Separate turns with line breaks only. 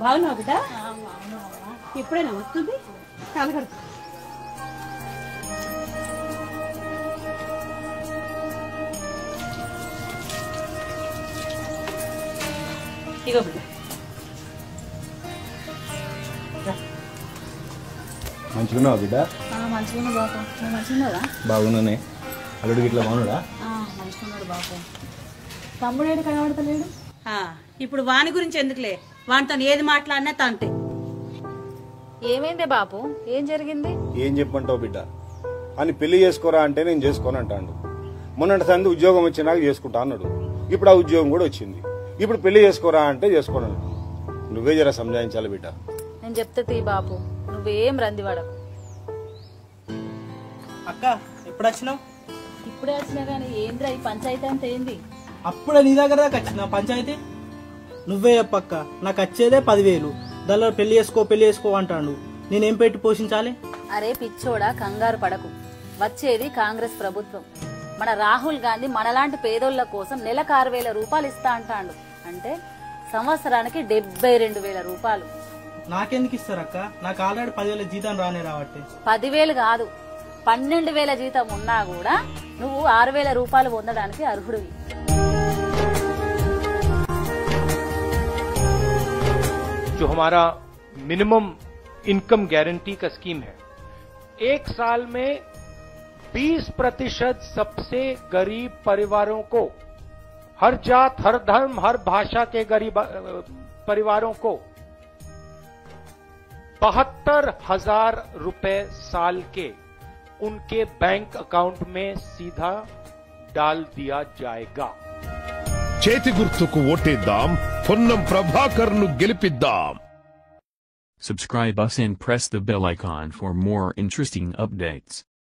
బాగున్నావు బిడ్డ? ఎప్పుడైనా వస్తుంది కలగడు. ఇగో బిడ్డ.
మంచిగున్నావా బిడ్డ?
మంచిగా బాబు. నువ్వు మంచిగా
బాగున్నానే. అల్లుడు ఇట్లా బాగున్నాడా?
మంచిగున్నాడు బాబు. తమ్ముడేడు కనబడతలేడు. ఇప్పుడు వాని గురించి ఎందుకులే, వానితో ఏది మాట్లాడినా తంటే.
ఏమైంది బాబు? ఏం జరిగింది?
ఏం చెప్పంటావు బిడ్డ అని పెళ్లి చేసుకోరా అంటే నేను చేసుకోను అంటాడు. మొన్నటి సంది ఉద్యోగం వచ్చినాక చేసుకుంటా అన్నాడు. ఇప్పుడు ఆ ఉద్యోగం కూడా వచ్చింది. ఇప్పుడు పెళ్లి చేసుకోరా అంటే చేసుకోను. నువ్వే జర సంజాయించాలి బిడ్డ.
నేను చెప్తే తీ బాబు, నువ్వేం రందివాడవు.
అక్క ఎప్పుడు వచ్చినావు?
ఇప్పుడే వచ్చినా గానీ ఏంద్రా ఈ పంచాయతీ అంతా ఏంది?
అప్పుడే నీ దగ్గర దాకా వచ్చిన పంచాయతీ. నువ్వే చెప్పక్క, నాకు వచ్చేదే 10,000. దానిలో పెళ్లి చేసుకో అంటాడు. నేనేం పెట్టి పోషించాలి?
అరే పిచ్చోడా, కంగారు పడకు. వచ్చేది కాంగ్రెస్ ప్రభుత్వం. మన రాహుల్ గాంధీ మనలాంటి పేదోళ్ల కోసం నెలకు 6,000 రూపాయలు ఇస్తా అంటాడు. అంటే సంవత్సరానికి 72,000 రూపాయలు.
నాకెందుకు ఇస్తారక్క? నాకు ఆల్రెడీ 10,000 జీతం రానే రావట్టే.
10,000 కాదు, 12,000 జీతం ఉన్నా కూడా నువ్వు 6,000 రూపాయలు పొందడానికి అర్హుడివి.
जो हमारा मिनिमम इनकम गारंटी का स्कीम है, एक साल में 20% सबसे गरीब परिवारों को, हर जात, हर धर्म, हर भाषा के गरीब परिवारों को 72,000 रुपए साल के उनके बैंक अकाउंट में सीधा डाल दिया जाएगा.
చేతి గుర్తుకు ఓటేద్దాం, పొన్నం ప్రభాకర్ను గెలిపిద్దాం.
Subscribe us and press the bell icon for more interesting updates.